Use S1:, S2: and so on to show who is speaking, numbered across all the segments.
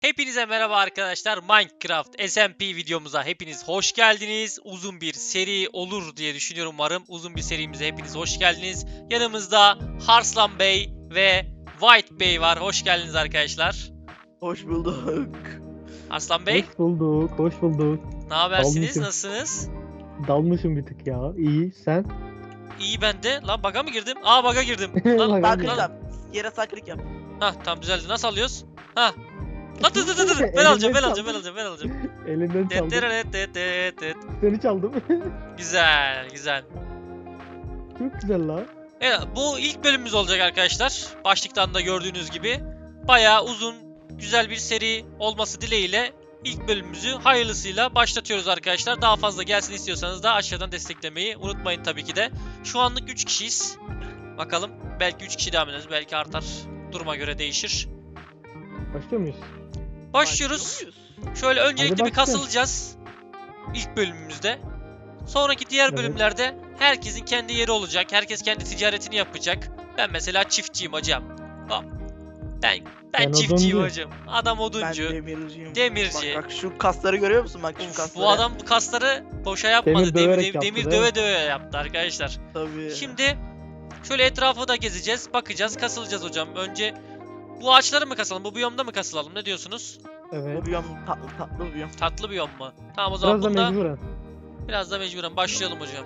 S1: Hepinize merhaba arkadaşlar. Minecraft SMP videomuza hepiniz hoş geldiniz. Uzun bir seri olur diye düşünüyorum umarım. Uzun bir serimize hepiniz hoş geldiniz. Yanımızda Harslan Bey ve White Bey var. Hoş geldiniz arkadaşlar.
S2: Hoş bulduk.
S1: Arslan Bey,
S3: Hoş bulduk, hoş bulduk.
S1: ne habersiniz?
S3: Dalmışım.
S1: Nasılsınız?
S3: Dalmışım bir tık ya. İyi, sen?
S1: İyi ben de. Lan bug'a mı girdim? Aa bug'a girdim. Lan,
S3: Bug'a
S2: Sağ
S3: girdim.
S2: klik yap. Yere sağ klik yap.
S1: Hah tamam düzeldi. Nasıl alıyoruz? Hah. Lan dur. Ben alacağım. Ben alacağım.
S3: Elinden çaldım.
S1: Tet.
S3: Seni çaldım.
S1: Güzel.
S3: Çok güzel lan.
S1: Evet, bu ilk bölümümüz olacak arkadaşlar. Başlıktan da gördüğünüz gibi bayağı uzun, güzel bir seri olması dileğiyle ilk bölümümüzü hayırlısıyla başlatıyoruz arkadaşlar. Daha fazla gelsin istiyorsanız da aşağıdan desteklemeyi unutmayın tabii ki de. Şu anlık 3 kişiyiz. Bakalım belki 3 kişi devam ederiz, belki artar. Duruma göre değişir.
S3: Başlıyor muyuz?
S1: Başlıyoruz.
S2: Başlıyor muyuz?
S1: Şöyle öncelikle bir
S3: başlayalım.
S1: kasılacağız. İlk bölümümüzde. Sonraki diğer
S3: Evet.
S1: bölümlerde herkesin kendi yeri olacak. Herkes kendi ticaretini yapacak. Ben mesela çiftçiyim hocam. Hop. Ben
S3: Ben
S1: çiftçiyim
S3: oduncu.
S1: hocam. Adam
S2: Ben
S1: oduncu.
S2: demirciyim.
S1: Demirci.
S2: Bak şu kasları görüyor musun? Bak şu
S1: Uf,
S2: kasları.
S1: bu adam bu kasları boşa yapmadı.
S3: Demir döverek yaptı,
S1: Demir
S3: değil mi?
S1: döve yaptı arkadaşlar.
S2: Tabii.
S1: Şimdi şöyle etrafı da gezeceğiz. Bakacağız. Kasılacağız hocam. Önce bu ağaçları mı kasalım? Bu biyomda mı kasılalım? Ne diyorsunuz?
S3: Evet.
S2: Bu biyom tatlı bir biyom.
S1: Tatlı biyom mu? Tamam o zaman
S3: Biraz da
S1: bunda
S3: mecburen.
S1: biraz da mecburen başlayalım hocam.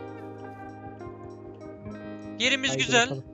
S1: Yerimiz
S3: Haydi
S1: güzel.
S3: bakalım.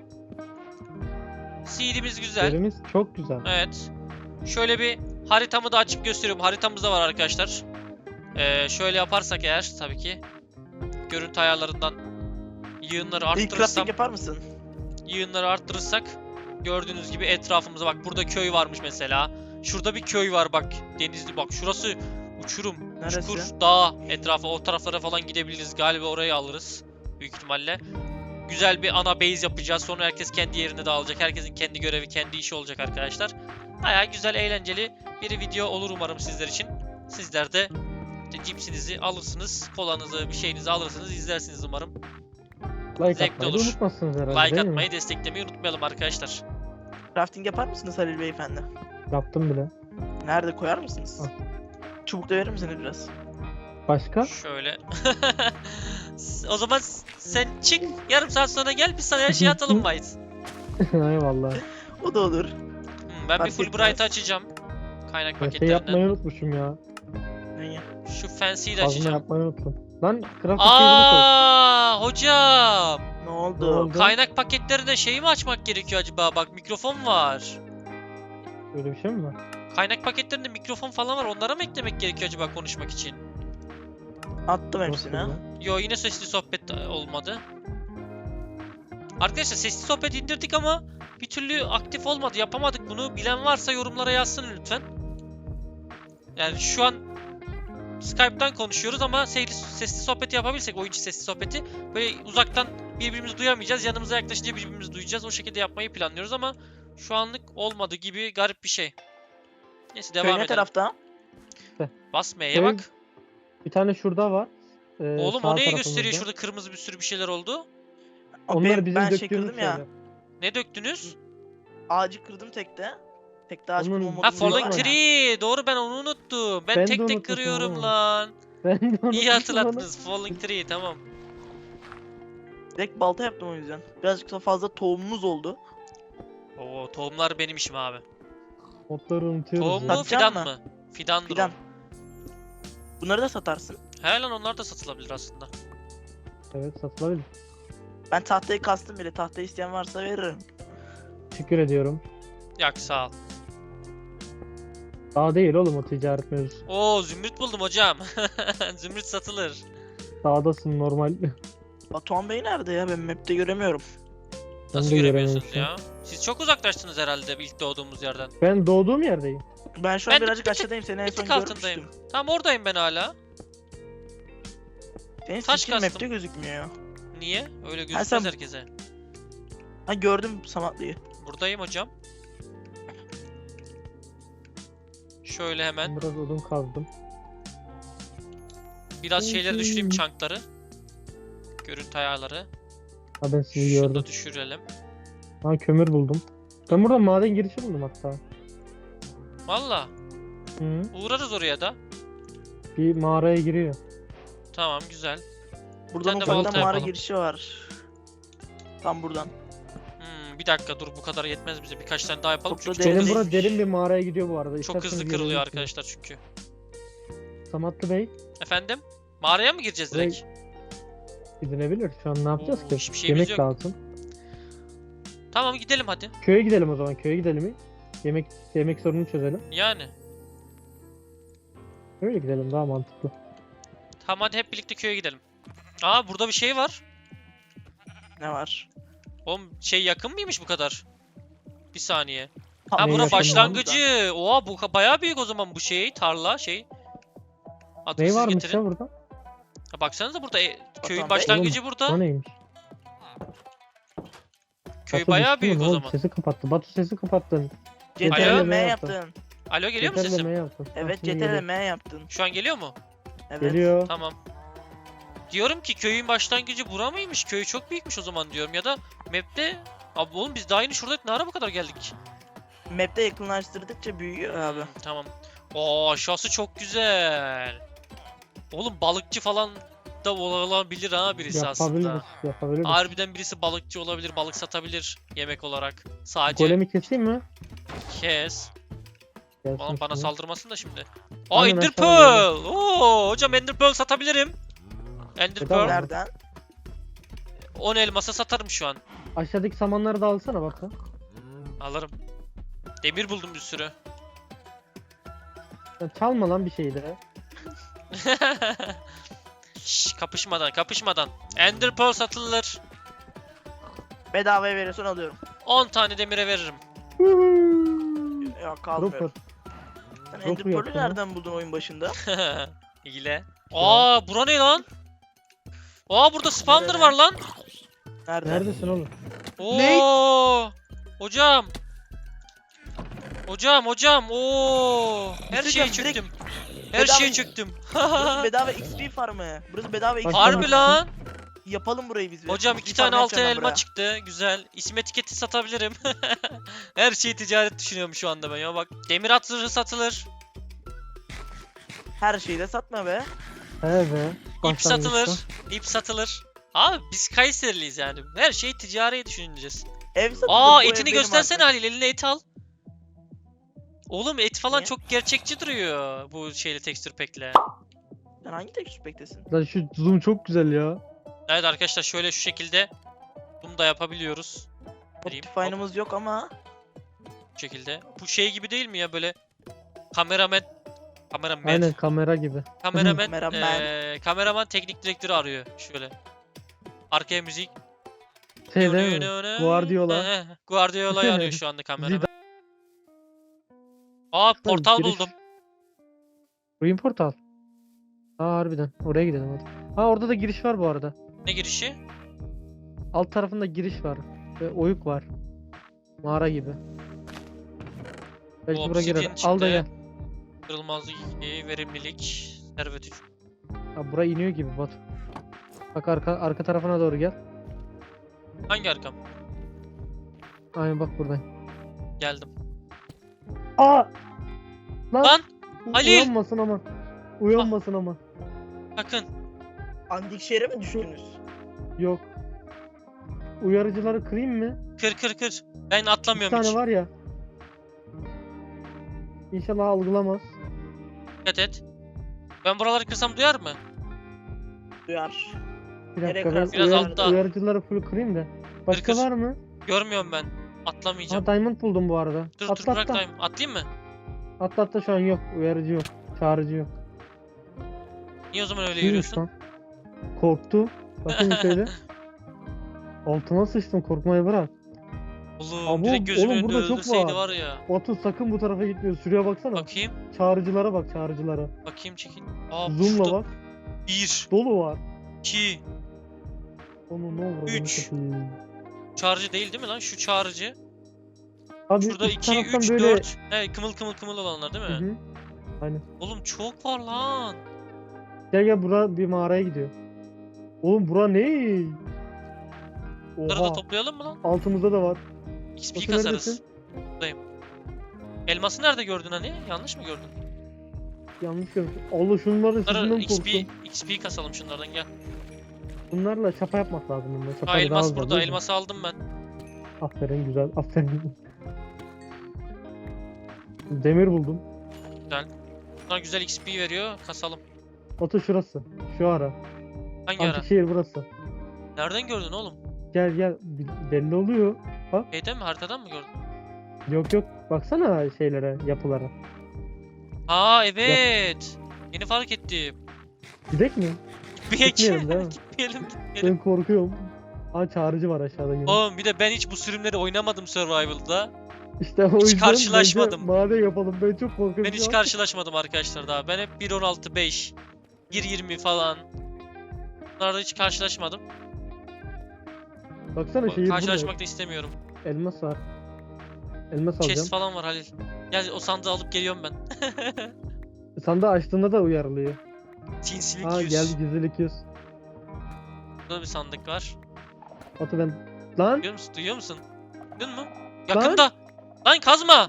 S1: Seed'imiz güzel.
S3: Yerimiz çok güzel.
S1: Evet. Şöyle bir haritamı da açıp gösteriyorum. Haritamız da var arkadaşlar. Şöyle yaparsak eğer tabii ki görüntü ayarlarından yığınları
S2: İlk crafting
S1: arttırırsam,
S2: yapar mısın?
S1: yığınları arttırırsak gördüğünüz gibi etrafımıza bak burada köy varmış mesela. Şurada bir köy var bak. Denizli bak şurası uçurum.
S2: Neresi?
S1: Çukur, dağ etrafı o taraflara falan gidebiliriz. Galiba orayı alırız büyük ihtimalle. Güzel bir ana base yapacağız. Sonra herkes kendi yerine dağılacak. Herkesin kendi görevi, kendi işi olacak arkadaşlar. Bayağı güzel, eğlenceli bir video olur umarım sizler için. Sizler de işte cipsinizi alırsınız, kolanızı, bir şeyinizi alırsınız, izlersiniz umarım.
S3: Like
S1: zevkli
S3: atmayı da
S1: olur.
S3: unutmazsınız herhalde,
S1: Like
S3: değil mi?
S1: atmayı, desteklemeyi unutmayalım arkadaşlar.
S2: Crafting yapar mısınız Halil Beyefendi?
S3: Yaptım bile.
S2: Nerede koyar mısınız?
S3: Al.
S2: Çubuk da verir misiniz biraz?
S3: Başka?
S1: Şöyle. O zaman sen çık, yarım saat sonra gel, biz sana her şeyi atalım White.
S3: Eyvallah.
S2: O da olur.
S1: Ben bir
S2: Fark
S1: Fulbright'ı
S2: etmez.
S1: açacağım. Kaynak
S3: Ben şey
S1: paketlerinden.
S3: yapmayı unutmuşum ya.
S2: Neyi?
S1: Şu fancy'yi de
S3: Fazla
S1: açacağım.
S3: yapmayı unuttum. Lan craft table'ını koy.
S1: Hocam.
S2: Ne
S3: Ne
S2: oldu?
S3: oldu?
S1: Kaynak paketlerine şeyi mi açmak gerekiyor acaba? Bak mikrofon var.
S3: Öyle bir şey mi var?
S1: Kaynak paketlerinde mikrofon falan var. Onlara mı eklemek gerekiyor acaba konuşmak için?
S2: Attım hepsini.
S3: Nasıl ya?
S1: Yo yine sesli sohbet olmadı. Arkadaşlar sesli sohbet indirdik ama bir türlü aktif olmadı. Yapamadık bunu. Bilen varsa yorumlara yazsın lütfen. Yani şu an Skype'tan konuşuyoruz ama sesli sohbeti yapabilsek, oyuncu sesli sohbeti, böyle uzaktan birbirimizi duyamayacağız. Yanımıza yaklaşınca birbirimizi duyacağız. O şekilde yapmayı planlıyoruz ama şu anlık olmadı gibi, garip bir şey. Neyse devam
S2: Köy ne
S1: edelim.
S2: tarafta?
S1: Bas M'ye
S3: Köy-
S1: bak.
S3: Bir tane şurada var.
S1: Oğlum
S3: sağ
S1: o neye
S3: tarafımızda.
S1: gösteriyor? Şurada kırmızı bir sürü bir şeyler oldu.
S3: Onlar bizim
S2: ben şey
S3: döktüğümüz
S2: kırdım ya.
S3: şeyler.
S1: Ne döktünüz?
S2: Ağacı kırdım tekte. Tekte ağaç
S3: Onun-
S2: kırma
S3: Ha,
S2: modumuz
S1: Ha Falling
S2: var ya.
S1: Tree. Doğru, ben onu unuttum. Ben
S3: Ben de
S1: tek tek
S3: unutmuşum
S1: kırıyorum
S3: oğlum.
S1: lan.
S3: Ben de
S1: İyi
S3: unutmuşum
S1: hatırlattınız. Falling Tree, tamam.
S2: Direkt balta yaptım o yüzden. Birazcık da fazla tohumumuz oldu.
S1: Oo, tohumlar benim işim abi.
S3: onu. Modları unutuyoruz
S1: Tohum
S3: ya.
S1: mu fidan
S2: Satacağım
S1: mı? Fidandır
S2: Fidan.
S1: o.
S2: Bunları da satarsın.
S1: He lan, onlar da satılabilir aslında.
S3: Evet, satılabilir.
S2: Ben tahtayı kastım bile. Tahtayı isteyen varsa veririm.
S3: Teşekkür ediyorum.
S1: Yak sağ ol.
S3: Daha değil oğlum o ticaret mevzusu.
S1: Oo, zümrüt buldum hocam. Zümrüt satılır.
S3: Dağdasın normal.
S2: Batuhan Bey nerede ya? Ben map'te göremiyorum.
S1: Nasıl
S3: de
S1: göremiyorsunuz
S3: görememişim.
S1: ya? Siz çok uzaklaştınız herhalde ilk doğduğumuz yerden.
S3: Ben doğduğum yerdeyim.
S2: Ben şu
S1: Ben
S2: an
S1: de
S2: birazcık
S1: bir tık-
S2: aşağıdayım. Seni en
S1: Bir
S2: son
S1: tık altındayım.
S2: görmüştüm.
S1: Tamam, oradayım ben hala.
S2: Senin
S1: Taş
S2: skin
S1: kastım.
S2: map'te gözükmüyor.
S1: Niye? Öyle gözükmez
S2: sen-
S1: herkese.
S2: Ha gördüm Samatlıyı.
S1: Buradayım hocam. Şöyle hemen
S3: Ben biraz odun kazdım.
S1: biraz şeyleri düşüreyim, çankları. Görüntü ayarları.
S3: Ha, ben sizi
S1: Şunu
S3: gördüm.
S1: da düşürelim.
S3: Ha, kömür buldum. Ben burada maden girişi buldum hatta.
S1: Valla.
S3: Hı.
S1: Uğrarız oraya da.
S3: Bir mağaraya giriyor.
S1: Tamam güzel.
S2: Buradan
S1: Sen de balta
S2: ufaktan mağara
S1: yapalım.
S2: girişi var. Tam buradan.
S1: Bir dakika dur, bu kadar yetmez bize. Birkaç tane daha yapalım
S2: Çok da
S1: çünkü
S2: derin
S3: Benim
S2: değil.
S3: bura derin bir mağaraya gidiyor bu arada.
S1: çok
S3: İsterseniz
S1: hızlı kırılıyor
S3: gelebilirsiniz.
S1: arkadaşlar çünkü.
S3: Samatlı Bey
S1: Efendim? Mağaraya mı gireceğiz
S3: Burayı-
S1: direkt?
S3: gidilebilir. Şu an ne yapacağız
S1: Oo,
S3: ki?
S1: hiçbir şeyimiz
S3: Yemek
S1: yok.
S3: lazım.
S1: Tamam gidelim hadi.
S3: Köye gidelim o zaman. Köye gidelim. Yemek sorununu çözelim.
S1: Yani.
S3: Öyle gidelim daha mantıklı.
S1: Tamam hadi hep birlikte köye gidelim. Aa burada bir şey var.
S2: Ne var?
S1: Oğlum şey yakın mıymış bu kadar? Bir saniye.
S2: Tam
S1: Ha
S3: Ne
S1: bura
S3: yakın
S1: başlangıcı. Oha bu bayağı büyük o zaman bu şey. Tarla şey. Adını
S3: Ne
S1: siz
S3: varmış
S1: getirin.
S3: ya burada?
S1: Ha, baksanıza burada köyün
S2: Bey.
S1: başlangıcı
S3: O
S1: burada.
S3: neymiş?
S1: Köy
S3: Batu
S1: bayağı
S3: düştü mü?
S1: büyük
S3: Ne
S1: o
S3: oldu?
S1: zaman.
S3: Sesi kapattı. Batu sesi kapattın.
S2: CTRL
S1: Alo?
S2: M yaptın.
S1: Alo geliyor mu
S3: CTRL
S1: sesim?
S3: M yaptın.
S2: Evet
S3: Ha, şimdi
S2: CTRL
S3: geliyor.
S2: M yaptın.
S1: Şu an geliyor mu?
S2: Evet.
S3: Geliyor.
S1: Tamam. Diyorum ki köyün başlangıcı bura mıymış? Köy çok büyükmüş o zaman diyorum. Ya da map'te... Abi oğlum biz daha yeni şuradaydık. Ne ara bu kadar geldik?
S2: Map'te yakınlaştırdıkça büyüyor abi.
S1: Tamam. Oo aşağısı çok güzel. Oğlum balıkçı falan da olabilir ha birisi aslında.
S3: Yapabiliriz. Yapabiliriz.
S1: Harbiden birisi balıkçı olabilir, balık satabilir yemek olarak. Sadece
S3: Golemi keseyim mi?
S1: kes.
S3: Gelsin
S1: Bana
S3: şimdi.
S1: saldırmasın da şimdi.
S3: Aynen,
S1: Ender
S3: ben sana
S1: Pearl. Oo hocam Ender Pearl satabilirim. Ender
S3: Bedava.
S1: Pearl.
S2: Nereden?
S1: 10 elmasa satarım şu an.
S3: Aşağıdaki samanları da alsana bak.
S1: Alırım. Demir buldum bir sürü.
S3: Ya çalma lan bir şeyi de.
S1: Şş, kapışmadan. Ender Pearl satılır.
S2: Bedavaya veriyorsun alıyorum.
S1: 10 tane demire veririm.
S2: Yok kalmıyorum.
S3: Rupert.
S2: Sen
S3: Ropu
S2: Ender Pearl'ü
S3: yaptın ha?
S2: nereden buldun oyun başında?
S1: İle. Aa bura ne lan? Aa burada spawner
S2: Nerede?
S1: var lan.
S2: Nereden?
S3: Neredesin oğlum?
S1: Oo! Hocam. Hocam. Oo! Her
S2: Bir şey
S1: şeyi
S2: diyeceğim,
S1: çöktüm. Her
S2: bedava-
S1: şeyi çöktüm.
S2: Burası bedava XP farmı. Burası bedava XP
S3: Harbi
S1: Harbi
S2: farmı.
S1: lan.
S2: Yapalım burayı biz.
S1: Hocam
S2: XP
S1: 2 tane
S2: farmı
S1: altın
S2: yapacağım ben
S1: elma
S2: buraya.
S1: çıktı. Güzel. İsim etiketi satabilirim. Her şeyi ticaret düşünüyorum şu anda ben ya bak. Demir at zırhı satılır.
S2: Her şeyi de satma be.
S3: He be.
S1: İp satılır.
S3: Başlangıçta.
S1: İp satılır. Abi biz Kayseriliyiz yani. Her şeyi ticari düşüneceğiz.
S2: Ev satılır.
S1: Aa
S2: bu ev
S1: etini
S2: benim
S1: göstersene
S2: artık.
S1: Halil, eline et al. Oğlum et falan
S2: Niye?
S1: çok gerçekçi duruyor bu şeyle tekstür pack'le.
S2: Sen hangi tek bektesin?
S3: Lan şu zoom çok güzel ya.
S1: Evet arkadaşlar şöyle şu şekilde bunu da yapabiliyoruz. Vereyim, hop,
S2: Optifine'ımız yok ama.
S1: bu şekilde. Bu şey gibi değil mi ya böyle kameraman
S3: Aynen kamera gibi.
S2: Kameraman.
S1: kameraman teknik direktörü arıyor şöyle. Arkaya müzik.
S3: Şey değil mi? Guardiola.
S1: Guardiola'yı arıyor şu anda kameraman.
S3: Zidane.
S1: Aa portal
S3: giriş-
S1: buldum.
S3: Oyun portal. Aa harbiden. Oraya gidelim hadi. Ha orada da giriş var bu arada.
S1: Ne girişi?
S3: Alt tarafında giriş var. Ve oyuk var. Mağara gibi. Belki buraya
S1: Obsidian
S3: girer. Al da
S1: çıktı.
S3: gel.
S1: Kırılmazlık 2, verimlilik, servet 3.
S3: Ha buraya iniyor gibi Batu. Bak arka tarafına doğru gel.
S1: Hangi arkam?
S3: Aynen bak buradan.
S1: Geldim.
S3: Aa!
S1: Lan! Halil!
S3: Uyanmasın ama. Uyanmasın ama.
S1: Sakın.
S2: Andik şehre mi düştünüz?
S3: Yok. Uyarıcıları kırayım mı?
S1: Kır. Ben
S3: Bir
S1: atlamıyorum
S3: tane
S1: hiç.
S3: var ya. İnşallah algılamaz.
S1: Dikkat et. Ben buraları kırsam duyar mı?
S2: Duyar.
S3: Bir
S2: Nereye
S3: dakika ben
S2: kırarsın?
S1: Biraz altta.
S3: uyarıcıları full kırayım da. Başka
S1: Kır.
S3: var mı?
S1: Görmüyorum ben. Atlamayacağım.
S3: Ha diamond buldum bu arada.
S1: Dur
S3: atla
S1: bırak
S3: atla.
S1: daim. Atlayayım mı?
S3: Atla şu an yok. Uyarıcı yok. Çağrıcı yok.
S1: Niye o zaman öyle
S3: Neymiş
S1: yürüyorsun?
S3: lan? Korktu. Bakın şöyle. Altıma sıçtım korkmayı bırak.
S1: Oğlum
S3: Aa,
S1: direkt gözümün
S3: oğlum
S1: önünde
S3: burada çok
S1: öldürseydi
S3: var.
S1: var ya.
S3: Batu sakın bu tarafa gitmiyor. Şuraya baksana.
S1: Bakayım.
S3: Çağrıcılara bak çağrıcılara.
S1: Bakayım çekin. Aa
S3: Zoom'la
S1: şurada
S3: bak.
S1: 1,
S3: Dolu var.
S1: 2.
S3: Onu ne olur.
S1: 3. Çağrıcı değil mi lan? Şu çağrıcı.
S3: Abi
S1: Şurada
S3: üst
S1: 2,
S3: taraftan
S1: 3,
S3: böyle...
S1: 4. He kımıl olanlar değil mi?
S3: Hı hı. Aynen.
S1: Oğlum çok var lan.
S3: Gel bura bir mağaraya gidiyor. Oğlum bura ne?
S1: Bunları da
S3: Oha.
S1: toplayalım mı lan?
S3: Altımızda da var.
S1: XP
S3: Batu
S1: kasarız.
S3: neredesin?
S1: Buradayım. Elması nerede gördün hani? Yanlış mı gördün?
S3: Yanlış görmüş. Allah şunların
S1: Bunları
S3: sesinden
S1: XP,
S3: korktum.
S1: XP kasalım şunlardan gel.
S3: Bunlarla çapa yapmak lazım bunlar. Çapa
S1: Ha
S3: daha
S1: elmas
S3: hızlı,
S1: burada.
S3: değil mi?
S1: Elması aldım ben.
S3: Aferin güzel. Aferin. Demir buldum.
S1: Bunlar güzel XP veriyor. Kasalım.
S3: Batu şurası. Şu ara.
S1: Hangi ara?
S3: Antik şehir burası.
S1: Nereden gördün oğlum?
S3: Gel gel. Belli oluyor.
S1: Şeyden mi? Haritadan mı gördün?
S3: Yok yok. Baksana şeylere, yapılara.
S1: Aa evet. Yeni fark ettim.
S3: Gidek mi? Gitmeyelim değil mi?
S1: Gitmeyelim.
S3: Ben korkuyorum. Aa çağrıcı var aşağıda yine.
S1: Oğlum bir de ben hiç bu sürümleri oynamadım Survival'da.
S3: İşte o yüzden
S1: karşılaşmadım.
S3: bence maden yapalım. Ben çok korkuyorum.
S1: Ben
S3: şu
S1: hiç
S3: an.
S1: karşılaşmadım arkadaşlar daha. Ben hep 1.16.5, 1.20 falan. Bunlarda hiç karşılaşmadım.
S3: Baksana şehir burada.
S1: Karşılaşmak da istemiyorum.
S3: Elmas var. Elmas alacağım.
S1: Chest falan var Halil. Gel o sandığı alıp geliyorum ben.
S3: Sandığı açtığında da uyarılıyor.
S1: Sinsilik
S3: Aa
S1: 100.
S3: geldi gizlilik 100.
S1: Burada bir sandık var.
S3: Batu ben... Lan!
S1: Duyuyor musun? Duyuyor musun? Duyuyor musun? Yakında. Lan kazma.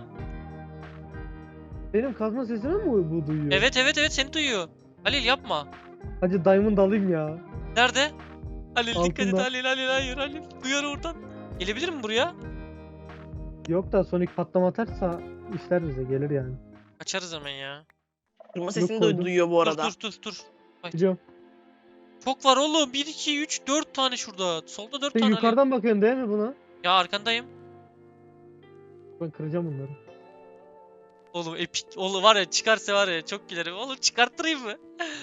S3: Benim kazma sesimi mi bu duyuyor?
S1: Evet evet evet seni duyuyor. Halil yapma.
S3: Hadi diamond alayım ya.
S1: Nerede? Halil dikkat et
S3: Altında.
S1: Halil Halil hayır Halil. Duyar oradan. Gelebilir mi buraya?
S3: Yok da Sonic patlama atarsa işler bize gelir yani.
S1: Açarız hemen ya.
S2: Kırma sesini de
S3: koydum.
S2: duyuyor bu arada.
S1: Dur.
S3: Gidiyorum.
S1: Çok var oğlum. 1, 2, 3, 4 tane şurada. Solda 4
S3: Sen
S1: tane. Halil.
S3: yukarıdan bakıyorsun değil mi buna?
S1: Ya arkandayım.
S3: Ben kıracağım bunları.
S1: Oğlum epik. Oğlum var ya çıkarsa var ya çok gülerim. Oğlum çıkarttırayım mı?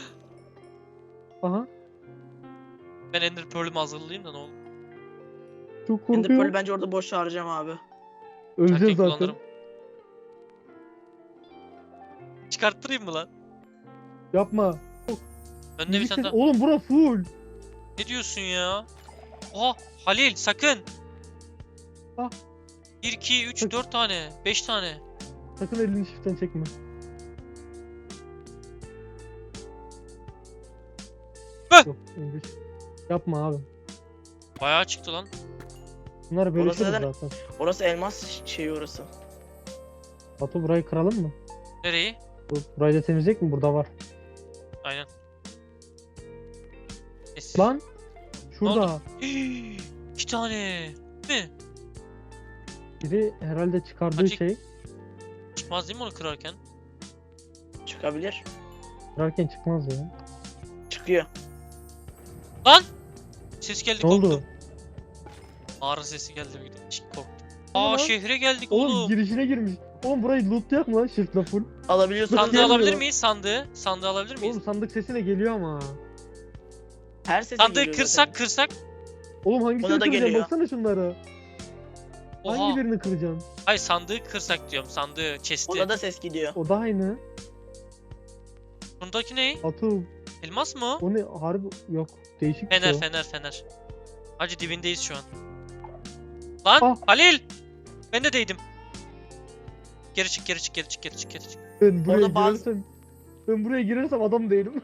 S3: Aha.
S1: Ben Ender Pearl'ümü hazırlayayım da ne olur.
S3: Çok
S2: Ender
S3: korkuyorum.
S2: Pearl'ü bence orada boş harcayacağım abi.
S3: Öleceğiz
S1: Erken
S3: zaten.
S1: kullanırım. Çıkarttırayım mı lan?
S3: Yapma.
S1: Önde bir
S3: Müzik
S1: tane
S3: ses-
S1: daha.
S3: Oğlum bura full.
S1: Ne diyorsun ya? Oha Halil sakın.
S3: Ah.
S1: 1, 2, 3,
S3: Sakın.
S1: 4 tane. 5 tane.
S3: Sakın elini shift'ten çekme.
S1: Heh.
S3: Yok, önce- Yapma abi.
S1: Bayağı çıktı lan.
S3: Bunları bölüşürüz
S2: neden-
S3: zaten.
S2: Orası elmas şeyi orası.
S3: Batu burayı kıralım mı?
S1: Nereyi?
S3: Burayı da temizleyecek mi? Burada var.
S1: Aynen. Kes.
S3: Lan! Şurada.
S1: oldu? 2 tane. Mi?
S3: Biri herhalde çıkardığı
S1: Açık.
S3: şey.
S1: Çıkmaz değil mi onu kırarken?
S2: Çıkabilir.
S3: Kırarken çıkmaz ya.
S2: Çıkıyor.
S1: Lan! Ses geldi
S3: Ne
S1: korktum.
S3: oldu?
S1: Mağara sesi geldi bir de. Korktum.
S3: Ne
S1: Aa
S3: lan?
S1: şehre geldik
S3: Oğlum
S1: oğlum.
S3: girişine girmiş. Oğlum burayı lootlayak mı lan shift'le full?
S2: Alabiliyorsun.
S1: Sandığı
S3: gelmiyor.
S1: alabilir miyiz? Sandığı alabilir miyiz?
S3: Oğlum sandık sesine geliyor ama.
S2: Her sese
S1: Sandığı
S2: geliyor
S1: kırsak
S2: zaten.
S1: kırsak.
S3: Oğlum hangisini
S2: Ona da
S3: kıracaksın?
S2: geliyor.
S3: Baksana şunlara.
S1: Oha.
S3: Hangi birini kıracaksın?
S1: Hayır sandığı kırsak diyorum. Sandığı, chest'i.
S2: Ona da ses gidiyor.
S3: O da aynı.
S1: Bundaki ne?
S3: Atu.
S1: Elmas mı o?
S3: O ne? Harbi yok. Değişik bir
S1: Fener
S3: şey.
S1: fener. Hacı dibindeyiz şu an. Lan
S3: Ah.
S1: Halil! Ben de değdim. Geri çık.
S3: Ben buraya
S2: Orada bazı-
S3: girersem... Ben buraya girersem adam değilim.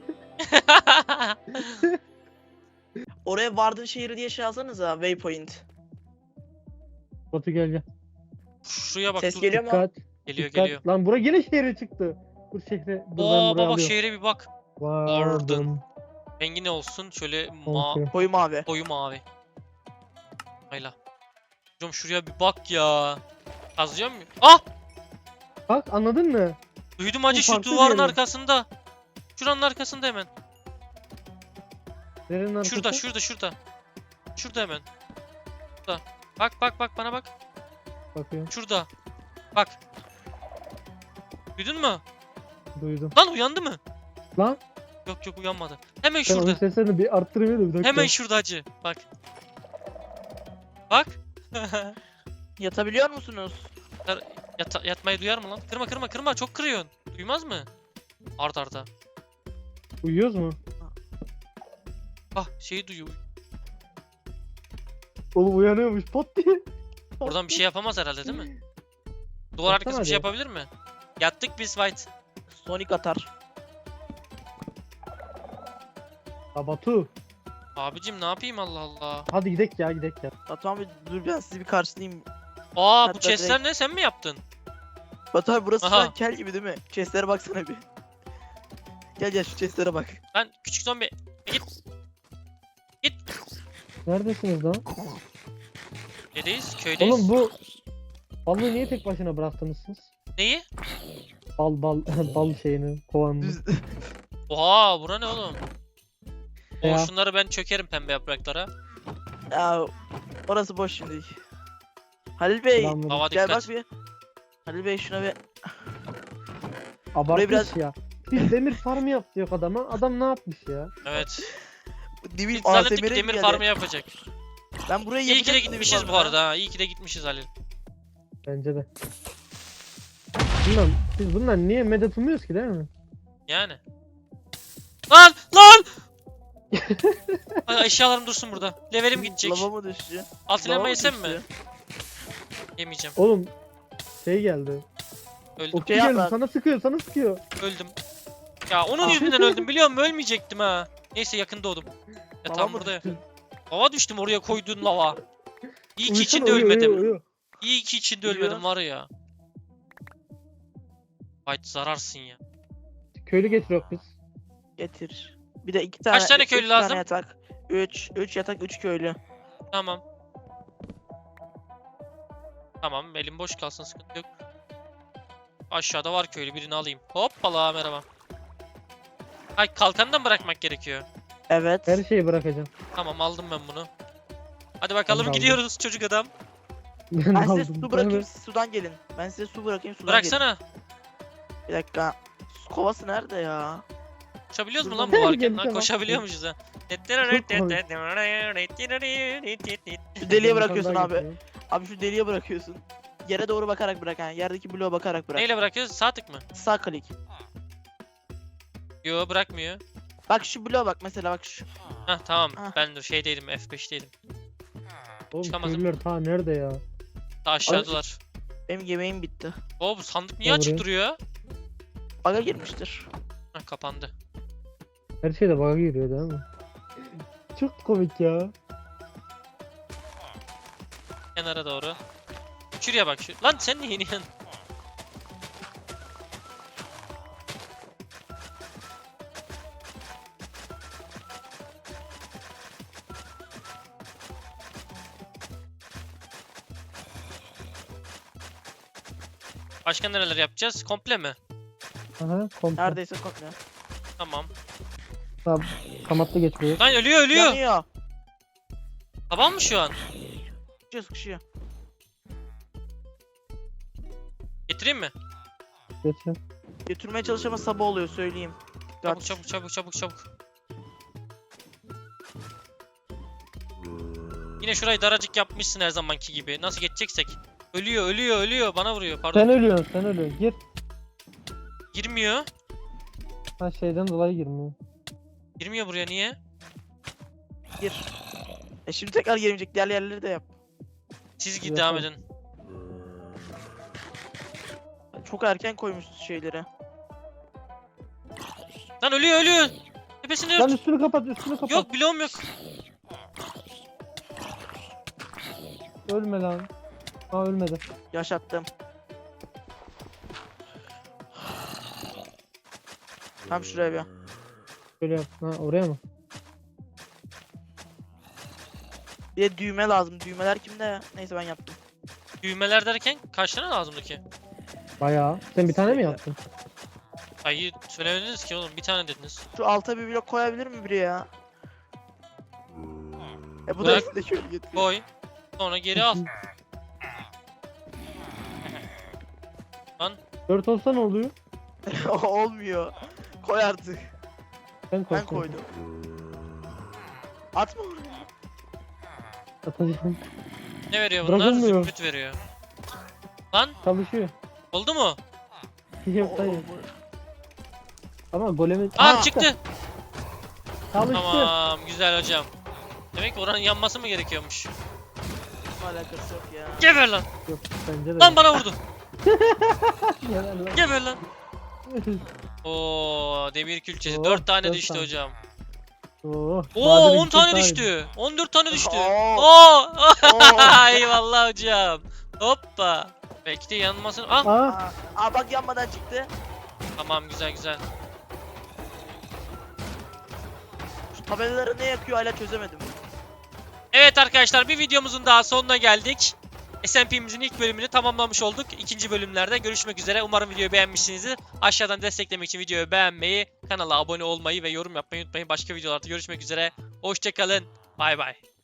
S2: Oraya vardığın şehri diye şey alsanıza waypoint.
S3: Batu gel gel.
S1: Şuraya bak
S2: Ses
S1: dur.
S2: geliyor mu?
S3: Dikkat.
S1: Geliyor
S3: dikkat.
S1: geliyor.
S3: Lan bura yine şehre çıktı. Dur şehre. Dur ben
S1: Oo
S3: buraya
S1: baba
S3: alıyorum.
S1: şehre bir bak.
S3: Vardım.
S1: Rengi ne olsun? Şöyle
S3: Korkuyorum.
S2: Koyu mavi.
S1: koyu mavi. Hayla. Hocam şuraya bir bak ya. Kazıyor mu? Ah!
S3: Bak anladın mı?
S1: Duydum hacı şu
S3: farklı bir
S1: duvarın
S3: yere.
S1: arkasında. Şuranın arkasında hemen.
S3: Nerenin arkası?
S1: Şurada. Şurada hemen. Şurada. Bak bana bak.
S3: Bakıyorum.
S1: Şurada. Bak. Duydun mu?
S3: Duydum.
S1: Lan uyandı mı?
S3: Lan
S1: Yok uyanmadı. Hemen
S3: ben oyun
S1: şurada.
S3: seslerini bir arttırayım da bir dakika.
S1: Hemen şurada hacı. Bak. Bak.
S2: Yatabiliyor musunuz?
S1: Yatmayı duyar mı lan? Kırma. Çok kırıyorsun. Duymaz mı? Arda.
S3: Uyuyoruz mu?
S1: Ah şeyi duyuyor.
S3: Oğlum uyanıyormuş pot diye.
S1: Oradan bir şey yapamaz herhalde değil mi? Duvar
S3: Baksana
S1: arkası bir şey
S3: hadi.
S1: yapabilir mi? Yattık biz White.
S2: Sonic atar.
S3: Ya Batu.
S1: Abicim ne yapayım Allah Allah.
S3: Hadi gidek ya.
S2: Batu abi dur ben sizi bir karşılayayım.
S1: Aa bu
S2: Hatta
S1: chestler ne sen mi yaptın?
S2: Batu abi burası şu
S1: Aha.
S2: an kel gibi değil mi? Chestlere baksana bir. Gel gel şu chestlere bak.
S1: Lan küçük zombi. Git.
S3: Neredesiniz lan?
S1: Neredeyiz? Köydeyiz.
S3: Oğlum bu balığı niye tek başına bıraktınız siz?
S1: Neyi?
S3: Bal şeyini, kovanını.
S2: Düz.
S1: Oha bura ne oğlum?
S3: Ya.
S1: Şunları ben çökerim pembe yapraklara.
S2: Ya orası boş şimdi. Halil Bey
S3: Selamünaleyküm.
S1: Hava
S2: gel
S1: dikkat.
S2: bak bir. Halil Bey şuna bir.
S3: Abartmış
S2: biraz-
S3: ya. Biz demir farmı yap diyor adama. Adam ne yapmış ya?
S1: Evet.
S2: Demir
S1: Biz zannettik
S2: ASMR'e
S1: ki demir
S2: geldi.
S1: farmı yapacak.
S2: Ben buraya
S1: İyi ki de
S2: yapacaktım demir
S1: gitmişiz bu
S2: farmı.
S1: arada ha. İyi ki de gitmişiz Halil.
S3: Bence de. Bilmem biz bundan niye medet umuyoruz ki değil mi?
S1: Yani. Lan! Lan! Ay, eşyalarım dursun burada. Levelim gidecek.
S2: Lava mı düştü?
S1: Altın
S2: Lava
S1: elma
S2: mı
S1: yesem mi?
S2: düştü?
S1: Yemeyeceğim.
S3: Oğlum şey geldi.
S1: Öldüm.
S3: Okçu
S2: Şey yap
S3: geldi
S2: lan.
S3: sana sıkıyor sana sıkıyor.
S1: Öldüm. Ya onun
S2: Ah.
S1: yüzünden öldüm biliyor musun? Ölmeyecektim ha. Neyse yakın doğdum. Ya
S2: Lava
S1: tam
S2: mı
S1: burada ya.
S2: düştü?
S1: Lava düştüm oraya koyduğun lava. İyi ki
S3: Uyusana,
S1: içinde
S3: uyu,
S1: ölmedim.
S3: uyu, uyu.
S1: İyi ki içinde
S2: Uyuyor.
S1: ölmedim var ya. Hayt zararsın ya.
S3: Köylü getiriyor biz.
S2: Getir. Bir de 2 tane.
S1: tane
S2: üç
S1: köylü
S2: tane
S1: lazım?
S2: yatak. 3 yatak 3 köylü.
S1: Tamam. Tamam elim boş kalsın sıkıntı yok. Aşağıda var köylü birini alayım. Hoppala merhaba. Ay kalkanı mı bırakmak gerekiyor?
S2: Evet.
S3: Her şeyi bırakacağım.
S1: Tamam aldım ben bunu. Hadi bakalım
S3: aldım.
S1: gidiyoruz çocuk adam.
S3: Ben
S2: Ben size
S3: aldım.
S2: su bırakayım
S3: Evet.
S2: siz sudan gelin. Ben size su bırakayım sudan
S1: Bıraksana.
S2: gelin. Bir dakika. Su kovası nerede ya?
S1: Koşabiliyoruz mu
S2: Dur
S1: lan
S2: lan.
S1: bu varken?
S3: Gelin,
S1: Lan
S3: tamam.
S1: koşabiliyormuşuz ha.
S2: Şu deliğe
S3: Ben
S2: bırakıyorsun
S3: sandığa
S2: abi.
S3: getiriyorum.
S2: Abi şu deliğe bırakıyorsun. Yere doğru bakarak bırak yani. Yerdeki bloğa bakarak bırak.
S1: Neyle bırakıyoruz? Sağ tık mı?
S2: Sağ klik.
S1: Yo bırakmıyor.
S2: Bak şu bloğa bak mesela bak şu.
S1: Hah tamam.
S2: Ah.
S1: Ben dur şeydeydim F5'teydim.
S3: Oğlum
S1: Çıkamadım.
S3: köylüler ta nerede ya?
S1: Daha aşağıdalar.
S2: Benim yemeğim bitti.
S1: Oo bu sandık niye
S3: Gel
S1: açık
S3: buraya.
S1: duruyor?
S2: Baga girmiştir.
S1: Hah kapandı.
S3: Her şeyde bug'a giriyor değil mi? Çok komik ya.
S1: Kenara doğru. Şuraya bak şu. Lan sen niye iniyorsun? Başka nereler yapacağız? Komple mi?
S3: Aha komple.
S2: Neredeyse komple.
S1: Tamam.
S3: Kamatlı geç buraya.
S1: Lan ölüyor ölüyor.
S2: Yanıyor.
S1: Tamam mı şu an?
S2: Sıkışıyor sıkışıyor.
S1: Getireyim mi?
S3: Geç ya.
S2: Götürmeye çalışama sabah oluyor söyleyeyim.
S1: Çabuk
S2: Dikkat.
S1: çabuk çabuk çabuk çabuk. Yine şurayı daracık yapmışsın her zamanki gibi. Nasıl geçeceksek. Ölüyor ölüyor ölüyor. Bana vuruyor pardon.
S3: Sen ölüyorsun sen ölüyorsun. Gir.
S1: Girmiyor.
S3: Ha şeyden dolayı girmiyor.
S1: Girmiyor buraya niye?
S2: Gir. Şimdi tekrar girmeyecek. Diğer yerleri de yap.
S1: Siz
S3: Yok,
S1: devam
S3: yok.
S1: edin.
S2: Çok erken koymuşsun şeyleri.
S1: Lan ölüyor ölüyor. Tepesini
S3: Lan
S1: ört.
S3: üstünü kapat üstünü kapat.
S1: Yok bloğum yok.
S3: Ölme lan. Ha ölmedi.
S2: Yaşattım. Tam şuraya bir.
S3: Şöyle yap. Ha oraya mı?
S2: Bir de düğme lazım. Düğmeler kimde ya? Neyse ben yaptım.
S1: Düğmeler derken kaç tane lazımdı ki?
S3: Bayağı. Sen bir tane mi yaptın?
S1: Hayır söylemediniz ki oğlum bir tane dediniz.
S2: Şu alta bir blok koyabilir mi biri ya? Bu da
S1: Bırak.
S2: üstüne şöyle getiriyor.
S1: Koy. Sonra geri al.
S3: 4 olsa ne oluyor?
S2: Olmuyor. Koy artık.
S3: Ben koy.
S2: Ben koydum. Atma oraya.
S3: Atacağım.
S1: Ne veriyor bunlar?
S3: Bırakılmıyor.
S1: Zümrüt veriyor. Lan
S3: Çalışıyor.
S1: oldu mu?
S3: Yok hayır. Ama golemi...
S1: Aa çıktı.
S3: Çalıştı.
S1: Tamam güzel hocam. Demek ki oranın yanması mı gerekiyormuş?
S2: Alakası yok ya.
S1: Geber lan.
S3: Yok bence de.
S1: Lan bana vurdu.
S3: Helal lan.
S1: Geber lan. Oo demir külçesi.
S3: Oh,
S1: 4 tane
S3: 4
S1: düştü
S3: tane.
S1: hocam.
S3: Oo,
S1: Oo
S3: Bahadır'ın
S1: 10 tane
S3: iki
S1: düştü. 14 tane düştü.
S2: Oo.
S1: Oo.
S2: Oo.
S1: Eyvallah hocam. Hoppa. Belki de yanmasın. Ah
S3: Aa
S2: Aa bak yanmadan çıktı.
S1: tamam güzel güzel.
S2: Tabelaları ne yakıyor hala çözemedim.
S1: Evet arkadaşlar, bir videomuzun daha sonuna geldik. SMP'mizin ilk bölümünü tamamlamış olduk. İkinci bölümlerde görüşmek üzere. Umarım videoyu beğenmişsinizdir. Aşağıdan desteklemek için videoyu beğenmeyi, kanala abone olmayı ve yorum yapmayı unutmayın. Başka videolarda görüşmek üzere. Hoşçakalın. Bay bay.